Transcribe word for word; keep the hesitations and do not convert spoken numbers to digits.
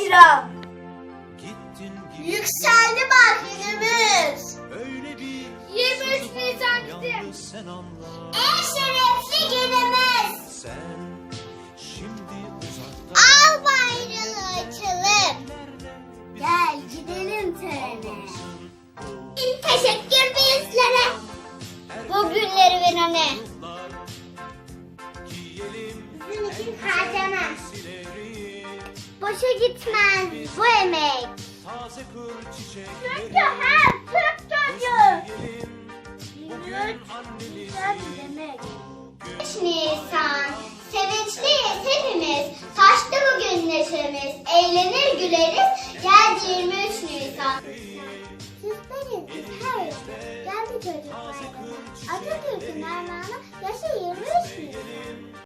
bayram. Yükseldi bak günümüz. yirmi üç Nisan bizim En şerefli günümüz. Al bayrağı açalım. Gel gidelim törene. Teşekkür bizlere. Bu günleri verene. Bizim için harcamaz. Boşa gitmez bu emek. Çünkü her Türk çocuğu yirmi üç Nisan demek. üç Nisan sevinçliyiz hepimiz. Taştı bugün neşemiz. Eğlenir güleriz. Geldi yirmi üç Nisan. Sizleriz biz her gün. Geldi çocuk bayramı. Atatürk'ün armağanı yaşa yirmi